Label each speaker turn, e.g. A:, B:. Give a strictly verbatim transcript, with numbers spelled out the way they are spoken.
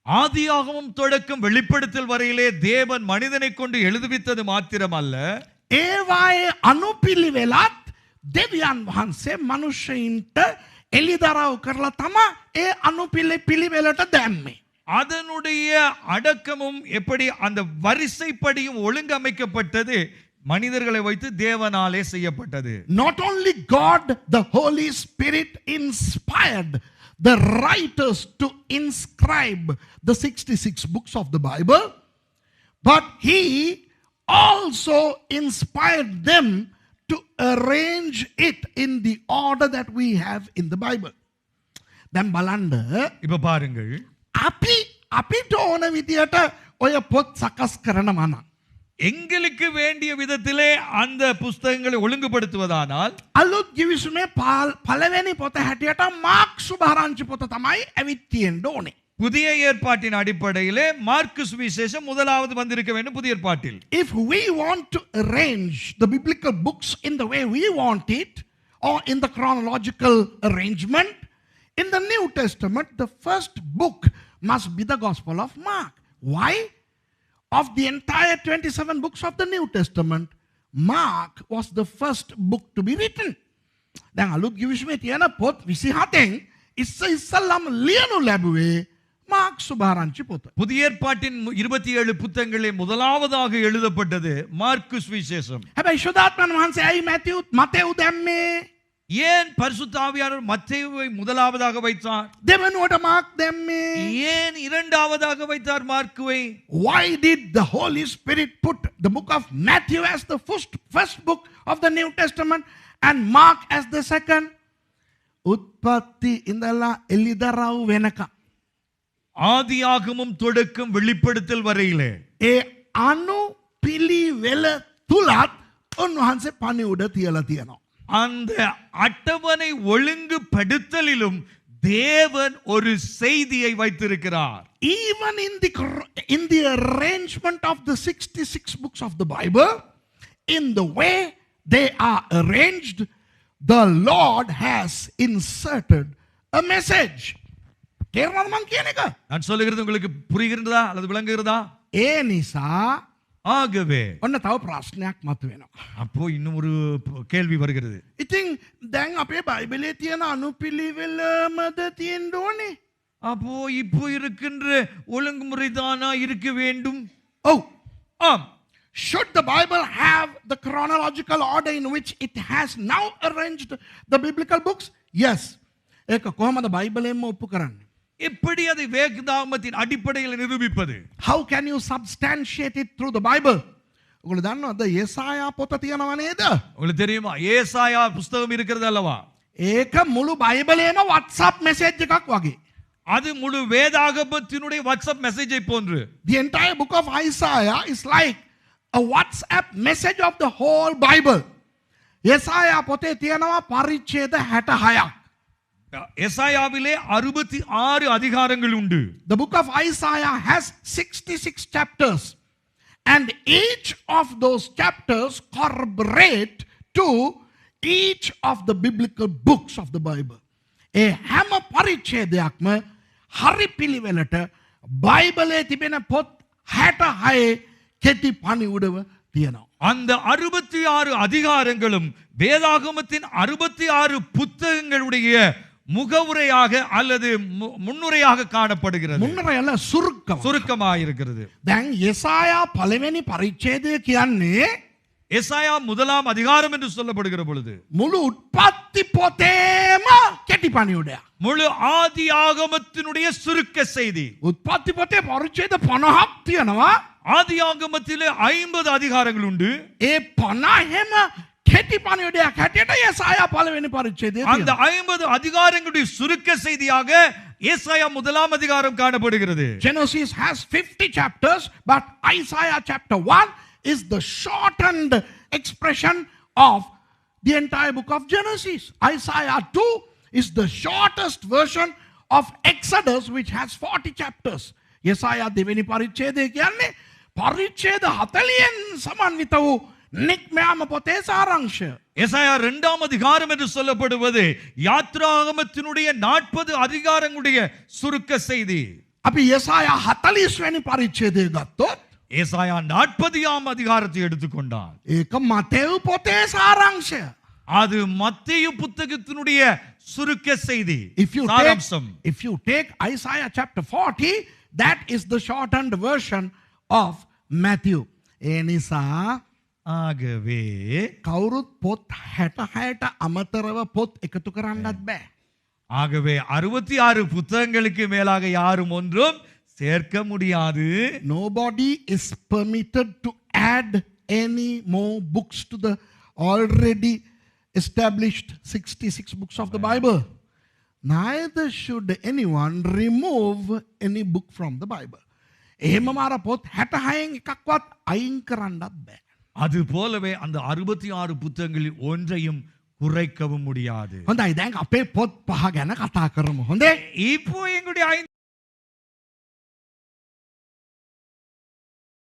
A: ஆதியாகமம் தொடக்கம் வெளிப்படுத்தல் வரையிலே தேவன் மனிதனை கொண்டு எழுதுவித்தது மாத்திரமல்ல,
B: ඒවායේ අනුපිළිවෙලත් දෙවියන් වහන්සේ මනුෂ්‍යයින්ට එළිදරව් කරලා තමයි ඒ අනුපිළි පිළිවෙලට දැම්මේ.
A: அதனுடைய அடக்கமும் எப்படி அந்த வரிசைப்படியும் ஒழுங்கமைக்கப்பட்டது மனிதர்களை வைத்து தேவனாலே செய்யப்பட்டது.
B: Not only God, the Holy Spirit inspired the writers to inscribe the sixty-six books of the Bible, but he also inspired them to arrange it in the order that we have in the Bible. දැන් බලන්න
A: இப்ப பாருங்கள்,
B: අපි අපිට ඕන විදියට ඔය පොත් සකස් කරනවා නම්
A: எங்களுக்கு வேண்டிய விதத்திலே அந்த புஸ்தகங்களை ஒழுங்குபடுத்துவதானால்
B: අලුත් ගිවිසුමේ පළවෙනි පොත හැටියට මාර්ක් සුභාරංචි පොත තමයි ඇවිත් තියෙන්න ඕනේ.
A: புதிய ஏற்பாட்டின் அடிப்படையிலே மார்க்கு சுவிசேஷம் முதலாவது வந்திருக்க வேண்டும் புதிய ஏற்பாட்டில்.
B: If we want to arrange the biblical books in the way we want it, or in the chronological arrangement, in the New Testament, the first book must be the Gospel of Mark. Why? Of the entire twenty-seven books of the New Testament, Mark was the first book to be written. දැන් අලුත් ගිවිසුමේ තියෙන පොත් විසිහතෙන් ඉස්ස ඉස්සල්ලාම ලියනු ලැබුවේ Mark සුභාරංචි පොත.
A: புதிய ஏற்பாட்டின் இருபத்தி ஏழு புத்தகங்களே முதலாவதாக எழுதப்பட்டது மார்க்கு சுவிசேஷம்.
B: හැබැයි ශුද්ධාත්මයන් වහන්සේ ඇයි මැතිව් මතෙව් දැම්මේ?
A: ஏன் பரிசுத்த ஆவியானவர் மத்தேயுவை முதலாவதாக வைத்தார்?
B: දෙවනුවට මාර්ක් දැම්මේ?
A: ஏன் இரண்டாவதாக வைத்தார் மார்க்குவை?
B: Why did the Holy Spirit put the book of Matthew as the first, first book of the New Testament and Mark as the second? උත්පත්ති ඉඳලා එළිදරව් වෙනකම්
A: ஆதியாகமம் தொடக்கம் வெளிப்படுத்தல் வரையிலே
B: ඒ අනු පිළිවෙල තුලත් උන්වහන්සේ පණිවුඩ තියලා තියෙනවා.
A: அந்த அட்டவணை ஒழுங்குபடுத்தலிலும் தேவன் ஒரு செய்தியை வைத்திருக்கிறார்.
B: Even in the in the arrangement of the sixty-six books of the Bible, in the way they are arranged, the Lord has inserted a message. තේරුණාද මං කියන එක?
A: நான் சொல்லுகிறது உங்களுக்கு புரிகிறதா அல்லது விளங்குகிறதா?
B: ඒ නිසා
A: ஆகவே
B: ඔන්න තව ප්‍රශ්නයක් මතුවෙනවා.
A: அப்போ இன்னும் ஒரு கேள்வி வருகிறது.
B: ඉතින් දැන් අපේ බයිබලයේ තියෙන අනුපිළිවෙලමද තියෙන්න ඕනේ?
A: அப்போ இப்போ இருக்கின்ற ஒழுங்குமுறை தானா இருக்க வேண்டும்?
B: ඔව්.
A: ஆம்.
B: Should the Bible have the chronological order in which it has now arranged the biblical books? Yes. ඒක කොහොමද බයිබලයෙන්ම ඔප්පු කරන්නේ?
A: எப்படி அதை வேதாகமத்தின் அடிப்படையில் நிரூபிப்பது?
B: How can you substantiate it through the Bible? ඔයගොල්ලෝ දන්නවද යෙසායා පොත තියෙනව නේද?
A: உங்களுக்கு தெரியுமா ஏசாயா புத்தகம் இருக்கிறது அல்லவா?
B: ඒක මුළු බයිබලයේම WhatsApp message එකක් වගේ.
A: அது முழு வேதாகமத்தினுடைய வாட்ஸ்அப் மெசேஜை போன்று.
B: The entire book of Isaiah is like a WhatsApp message of the whole Bible. යෙසායා පොතේ තියෙනවා පරිච්ඡේද හැටහයක්.
A: எசாயாவிலே அறுபத்தி ஆறு அதிகாரங்கள் உண்டு.
B: The book of Isaiah has sixty-six chapters, and each of those chapters corroborate to each of the biblical books of the Bible. ඒ හැම පරිච්ඡේදයක්ම හරි පිළිවෙලට බයිබලයේ තිබෙන පොත් හැටහයේ කෙටි පණිවුඩව තියෙනවා.
A: அந்த அறுபத்தி ஆறு அதிகாரங்களும் வேதாகமத்தின் அறுபத்தி ஆறு புத்தகங்களுடைய முகவுரையாக அல்லது முன்னுரையாக காணப்படுகிறது.
B: මුන්නරය අല്ല සුරුක්කම.
A: சுருக்கமாக இருக்கிறது.
B: දැන් යෙසායා පළවෙනි පරිච්ඡේදය කියන්නේ
A: எசாயா முதலாம் அதிகாரம் என்று சொல்லப்படுகிற பொழுது
B: මුළු උත්පත්ති පොතේම කෙටි පණිවුඩයක්.
A: முழு ஆதி ஆகமத்தினுடைய சுருக்க செய்தி.
B: උත්පත්ති පොතේ පරිච්ඡේද පනහක් තියෙනවා.
A: ஆதி ஆகமத்திலே ஐம்பது அதிகாரங்கள் உண்டு.
B: ඒ පනහෙම කෙටි පණිවුඩයක් හැටියට යෙසායා පළවෙනි පරිච්ඡේදය
A: அந்த
B: තියෙනවා.
A: ஐம்பது அதிகாரங்களுடைய சுருக்க செய்தியாக ஏசாயா முதலாம் அதிகாரம் காணப்படுகிறது.
B: Genesis has fifty chapters, but Isaiah chapter one is the shortened expression of the entire book of Genesis. Isaiah two is the shortest version of Exodus, which has forty chapters. Yesaya දෙවෙනි පරිච්ඡේදය කියන්නේ පරිච්ඡේද හතළිහෙන් සමන්විත වූ නික්මයාම පොතේ සාරාංශය.
A: எசாயா இரண்டாம் அதிகாரம் என்று சொல்லப்படுவது யாத்ராகமத்தினுடைய நாற்பது அதிகாரங்களுடைய சுருக்க செய்தி.
B: අපි යසායා හතලිස් වැනි පරිච්ඡේදය ගත්තොත්
A: ஏசாயா நாற்பதாம் அதிகாரத்தை எடுத்துக்கொண்டால்
B: ඒක මතෙව් පොතේ සාරාංශය.
A: அது மத்தேயு புத்தகத்தினுடைய சுருக்க செய்தி
B: If you take,
A: சாராம்சம்.
B: if you take Isaiah chapter forty, that is the shortened version of Matthew. ඒ නිසා
A: ஆகவே
B: කවුරුත් පොත් හැටහයට අමතරව පොත් එකතු කරන්නත් බෑ.
A: ஆகவே அறுபத்தி ஆறு புத்தகங்களுக்கு மேலாக யாரும் ஒன்றும் சேர்க்க முடியாது.
B: Nobody is permitted to add any more books to the already established sixty-six books of the Bible. Neither should anyone remove any book from the Bible. එහෙම මාර පොත් හැටහයෙන් එකක්වත් අයින් කරන්නත් බෑ.
A: அது போலவே அந்த அறுபத்தி ஆறு புத்தகங்களில் ஒன்றையும் குறைக்கவும் முடியாது.
B: හොඳයි දැන් අපේ පොත් පහ ගැන කතා කරමු. හොඳේ?
A: இப்போ எங்களுடைய ஐந்து